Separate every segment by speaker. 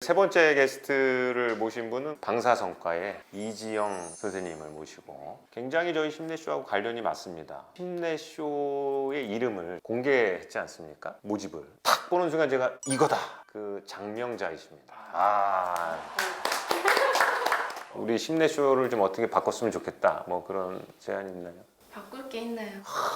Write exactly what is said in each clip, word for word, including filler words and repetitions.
Speaker 1: 세 번째 게스트를 모신 분은 방사성과의 이지영 선생님을 모시고 굉장히 저희 심내쇼하고 관련이 맞습니다. 심내쇼의 이름을 공개했지 않습니까? 모집을 탁 보는 순간 제가 이거다! 그 장명자이십니다. 아, 우리 심내쇼를 좀 어떻게 바꿨으면 좋겠다 뭐 그런 제안이 있나요?
Speaker 2: 바꿀 게 있나요?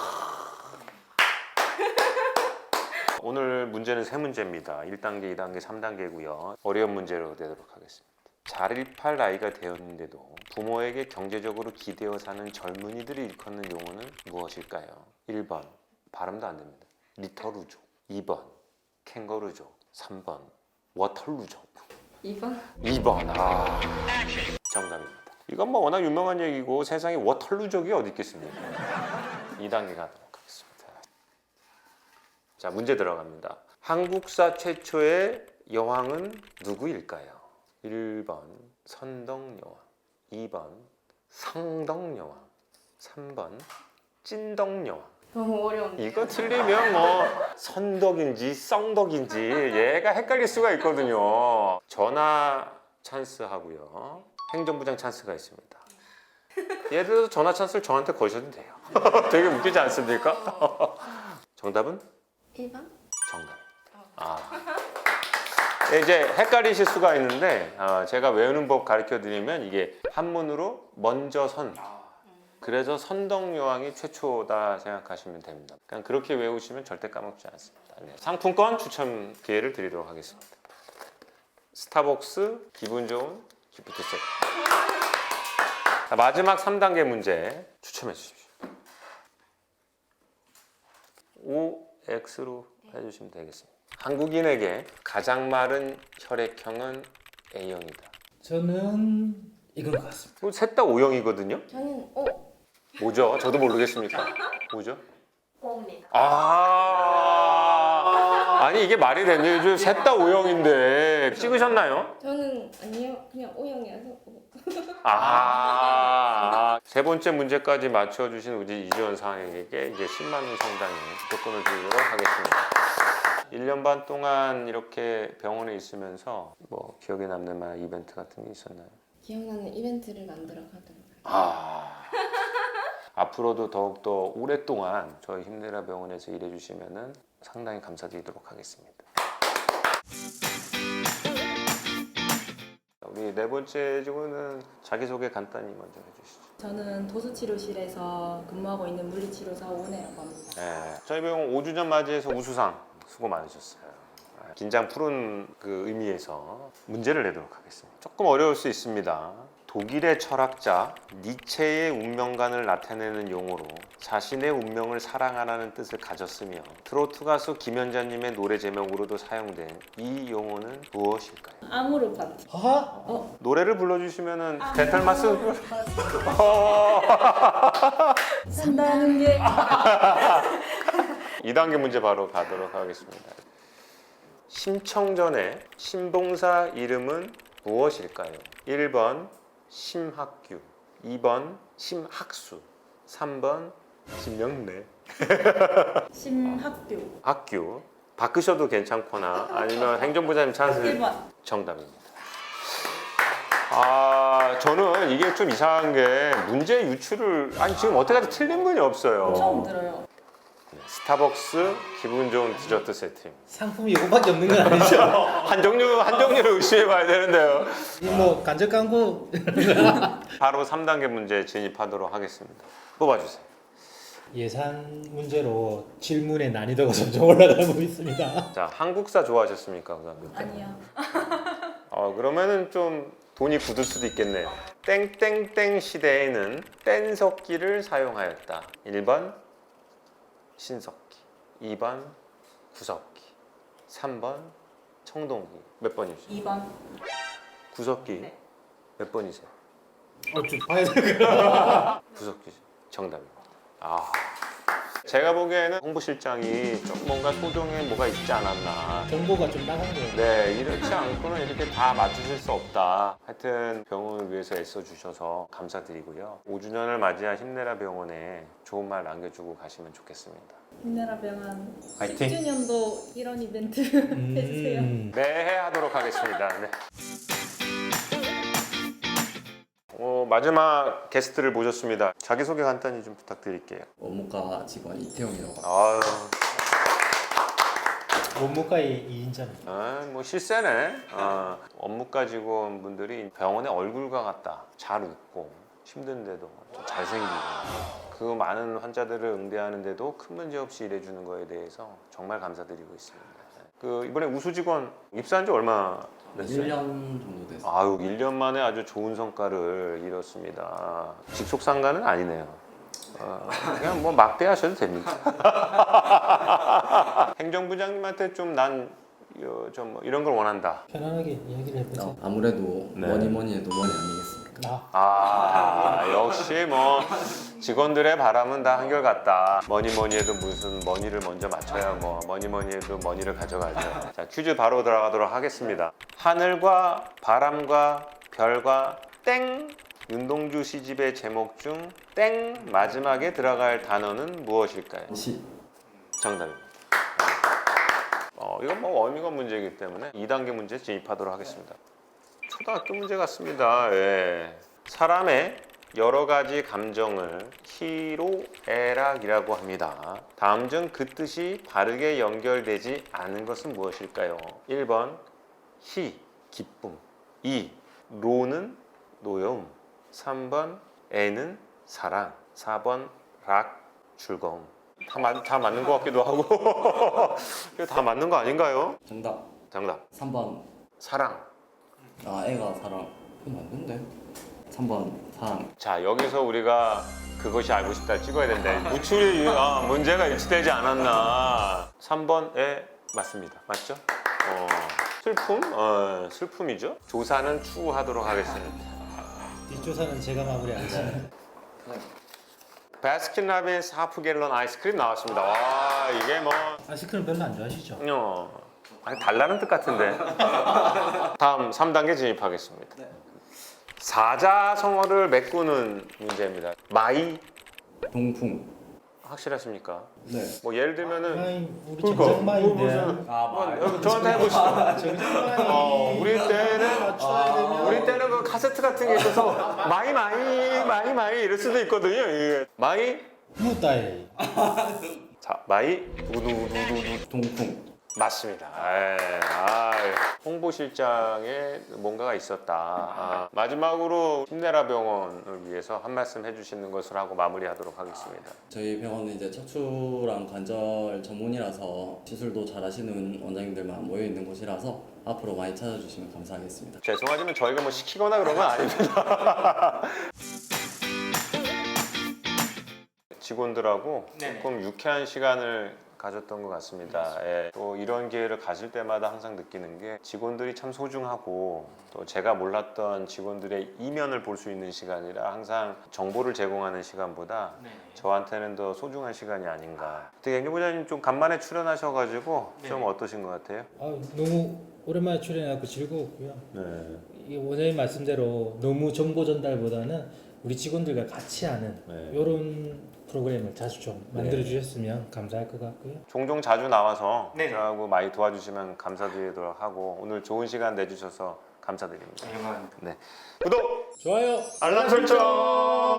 Speaker 1: 오늘 문제는 세 문제입니다. 일 단계, 이 단계, 삼 단계고요. 어려운 문제로 내도록 하겠습니다. 잘 일팔 나이가 되었는데도 부모에게 경제적으로 기대어 사는 젊은이들이 일컫는 용어는 무엇일까요? 일 번 발음도 안 됩니다. 리터루족. 이 번 캥거루족. 삼 번 워털루족.
Speaker 2: 이 번?
Speaker 1: 이 번 아 정답입니다. 이건 뭐 워낙 유명한 얘기고 세상에 워털루족이 어디 있겠습니까? 이 단계 가도록 하겠습니다. 자, 문제 들어갑니다. 한국사 최초의 여왕은 누구일까요? 일 번 선덕여왕, 이 번 성덕여왕, 삼 번 찐덕여왕.
Speaker 2: 너무 어려운데.
Speaker 1: 이거 틀리면 뭐 선덕인지 썽덕인지 얘가 헷갈릴 수가 있거든요. 전화 찬스 하고요. 행정부장 찬스가 있습니다. 예를 들어서 전화 찬스를 저한테 거셔도 돼요. 되게 웃기지 않습니까? 정답은?
Speaker 2: 일 번?
Speaker 1: 정답입니다. 아. 이제 헷갈리실 수가 있는데 어, 제가 외우는 법 가르쳐 드리면 이게 한문으로 먼저 선. 그래서 선덕여왕이 최초다 생각하시면 됩니다. 그냥 그렇게 외우시면 절대 까먹지 않습니다. 네. 상품권 추첨 기회를 드리도록 하겠습니다. 스타벅스 기분 좋은 기프트 세트. 자, 마지막 삼 단계 문제 추첨해 주십시오. 오 X로 해주시면 되겠습니다. 한국인에게 가장 마른 혈액형은 A형이다.
Speaker 3: 저는 이건 것 같습니다.
Speaker 1: 셋 다 O형이거든요.
Speaker 2: 저는 O.
Speaker 1: 뭐죠? 저도 모르겠습니까? 뭐죠?
Speaker 2: O입니다.
Speaker 1: 아, 아니 이게 말이 되냐? 요즘 셋 다 O형인데 찍으셨나요?
Speaker 2: 저는 아니요. 그냥 O형이어서 O.
Speaker 1: 아, 세 번째 문제까지 맞춰주신 우리 이지원 사장에게 이제 십만 원 상당의 조건을 드리도록 하겠습니다. 일 년 반 동안 이렇게 병원에 있으면서 뭐 기억에 남는 만한 이벤트 같은 게 있었나요?
Speaker 2: 기억나는 이벤트를 만들어 가도록 할게요.
Speaker 1: 아, 앞으로도 더욱더 오랫동안 저희 힘내라 병원에서 일해주시면 상당히 감사드리도록 하겠습니다. 우리 네 번째 직원은 자기소개 간단히 먼저 해주시죠.
Speaker 4: 저는 도수치료실에서 근무하고 있는 물리치료사 오은혜라고 합니다.
Speaker 1: 네, 저희 병원 오 주년 맞이해서 우수상 수고 많으셨어요. 네, 긴장 푸른 그 의미에서 문제를 내도록 하겠습니다. 조금 어려울 수 있습니다. 독일의 철학자 니체의 운명관을 나타내는 용어로 자신의 운명을 사랑하라는 뜻을 가졌으며 트로트 가수 김연자님의 노래 제목으로도 사용된 이 용어는 무엇일까요?
Speaker 4: 아모르 파티.
Speaker 3: 하하?
Speaker 1: 노래를 불러주시면은 데탈마스
Speaker 4: 산다는 게
Speaker 1: 이 단계 문제 바로 가도록 하겠습니다. 심청전의 신봉사 이름은 무엇일까요? 일 번 심학규, 이 번 심학수, 삼 번 심영래.
Speaker 4: 심학교.
Speaker 1: 학규 바꾸셔도 괜찮거나 아니면 행정부장님 찬스
Speaker 4: 일 번.
Speaker 1: 정답입니다. 아, 저는 이게 좀 이상한 게 문제 유출을 아니 지금 어떻게까지 틀린 분이 없어요.
Speaker 4: 처음 들어요.
Speaker 1: 스타벅스 기분 좋은 디저트 세트입니다.
Speaker 3: 상품이 이거밖에 없는 건 아니죠?
Speaker 1: 한 종류 한 종류를 의심해봐야 되는데요.
Speaker 3: 이 뭐 간접 광고
Speaker 1: 바로 삼 단계 문제 진입하도록 하겠습니다. 뽑아주세요.
Speaker 3: 예상 문제로 질문의 난이도가 점점 올라가고 있습니다.
Speaker 1: 자, 한국사 좋아하셨습니까, 고등학교 때?
Speaker 4: 아니요.
Speaker 1: 어, 그러면은 좀 돈이 굳을 수도 있겠네요. 땡땡땡 시대에는 뗀석기를 사용하였다. 일 번 신석기, 이 번 구석기, 삼 번 청동기. 몇 번이죠?
Speaker 4: 이 번.
Speaker 1: 구석기
Speaker 4: 네.
Speaker 1: 몇 번이세요?
Speaker 3: 어, 좀 봐야 될 것 같아요.
Speaker 1: 구석기죠. 정답입니다. 아, 제가 보기에는 홍보실장이 좀 뭔가 소정에 뭐가 있지 않았나.
Speaker 3: 정보가 좀 나간 거예요.
Speaker 1: 네, 이렇지 않고는 이렇게 다 맡으실 수 없다. 하여튼 병원을 위해서 애써주셔서 감사드리고요. 오 주년을 맞이한 힘내라 병원에 좋은 말 남겨주고 가시면 좋겠습니다.
Speaker 4: 힘내라 병원
Speaker 1: 화이팅!
Speaker 4: 십 주년도 이런 이벤트 해주세요.
Speaker 3: 음.
Speaker 1: 매해 하도록 하겠습니다. 네. 어, 마지막 게스트를 모셨습니다. 자기소개 간단히 좀 부탁드릴게요.
Speaker 5: 원무과 직원 이태용이라고 합니다.
Speaker 1: 아유,
Speaker 3: 원무과의 이인자입니다.
Speaker 1: 아, 뭐 실세네. 아, 업무과 직원분들이 병원의 얼굴과 같다. 잘 웃고 힘든데도 좀 잘생기고 그 많은 환자들을 응대하는데도 큰 문제 없이 일해주는 거에 대해서 정말 감사드리고 있습니다. 그 이번에 우수 직원 입사한 지 얼마 됐어요?
Speaker 5: 일 년 정도 됐어요.
Speaker 1: 아유, 일 년 만에 아주 좋은 성과를 이뤘습니다. 직속 상가는 아니네요. 어, 그냥 뭐 막대하셔도 됩니다. 행정부장님한테 좀 난 좀 뭐 이런 걸 원한다.
Speaker 3: 편안하게 이야기를 해보세요.
Speaker 5: 어, 아무래도
Speaker 1: 네.
Speaker 5: 뭐니 뭐니 해도 뭐니 아니겠습니까?
Speaker 3: 아,
Speaker 1: 아, 역시 뭐 직원들의 바람은 다 한결같다. 뭐니 뭐니 해도 무슨 머니를 먼저 맞춰야 뭐 뭐니 뭐니 해도 머니를 가져가죠. 자, 퀴즈 바로 들어가도록 하겠습니다. 하늘과 바람과 별과 땡! 윤동주 시집의 제목 중 땡! 마지막에 들어갈 단어는 무엇일까요?
Speaker 5: 시
Speaker 1: 정답입니다. 어, 이건 뭐 원이건 문제이기 때문에 이 단계 문제 진입하도록 하겠습니다. 초등학교 문제 같습니다. 예. 사람의 여러 가지 감정을 희로애락이라고 합니다. 다음 중 그 뜻이 바르게 연결되지 않은 것은 무엇일까요? 일 번 희, 기쁨. 이, 로는 노여움. 삼 번 애는 사랑. 사 번 락, 즐거움. 다, 맞, 다 맞는 것 같기도 하고 이거 다 맞는 거 아닌가요?
Speaker 5: 정답
Speaker 1: 정답
Speaker 5: 삼 번.
Speaker 1: 사랑.
Speaker 5: 아 애가 사랑. 이거 맞는데? 삼 번 사랑.
Speaker 1: 자, 여기서 우리가 그것이 알고 싶다 찍어야 된다. 무출이 아, 문제가 일치되지 않았나. 삼 번에 맞습니다. 맞죠? 어, 슬픔? 어, 슬픔이죠. 조사는 추후하도록 하겠습니다.
Speaker 3: 뒷조사는 제가 마무리하겠습니다.
Speaker 1: 바스킨라빈스 하프 갤런 아이스크림 나왔습니다. 와, 이게 뭐
Speaker 3: 아이스크림 별로 안 좋아하시죠?
Speaker 1: 어, 아니 달라는 뜻 같은데. 다음 삼 단계 진입하겠습니다. 사자성어를 메꾸는 문제입니다. 마이
Speaker 5: 동풍.
Speaker 1: 확실하십니까?
Speaker 5: 네.
Speaker 1: 뭐 예를 들면은
Speaker 3: 아이, 우리
Speaker 1: 그러니까,
Speaker 3: 정상마인데.
Speaker 5: 아
Speaker 1: 뭐, 저한테 해보시죠.
Speaker 3: 정상마인.
Speaker 1: 어, 우리 때는
Speaker 3: 맞춰야 되면.
Speaker 1: 우리 때는 그 카세트 같은 게 있어서 마이 마이 마이 마이 이럴 수도 있거든요. 이게. 마이
Speaker 3: 무다이.
Speaker 1: 자 마이 우두두두두
Speaker 5: 동풍.
Speaker 1: 맞습니다. 에, 아, 홍보실장에 뭔가가 있었다. 아, 마지막으로 힘내라 병원을 위해서 한 말씀 해주시는 것을 하고 마무리하도록 하겠습니다.
Speaker 5: 저희 병원은 이제 척추랑 관절 전문이라서 시술도 잘하시는 원장님들만 모여 있는 곳이라서 앞으로 많이 찾아주시면 감사하겠습니다.
Speaker 1: 죄송하지만 저희가 뭐 시키거나 그런 건 아닙니다. 직원들하고 조금 유쾌한 시간을 가졌던 것 같습니다. 예. 또 이런 기회를 가질 때마다 항상 느끼는 게 직원들이 참 소중하고 또 제가 몰랐던 직원들의 이면을 볼 수 있는 시간이라 항상 정보를 제공하는 시간보다 저한테는 더 소중한 시간이 아닌가. 특히 행정부장님 좀 간만에 출연하셔가지고 좀 어떠신 것 같아요?
Speaker 3: 아, 너무 오랜만에 출연해서 즐거웠고요.
Speaker 1: 네.
Speaker 3: 이 원장님 말씀대로 너무 정보 전달보다는 우리 직원들과 같이 하는
Speaker 1: 네.
Speaker 3: 이런 프로그램을 자주 좀 만들어 주셨으면 감사할 것 같고요.
Speaker 1: 종종 자주 나와서 저하고 많이 도와주시면 감사드리도록 하고 오늘 좋은 시간 내주셔서 감사드립니다. 네. 구독,
Speaker 3: 좋아요.
Speaker 1: 알람 설정.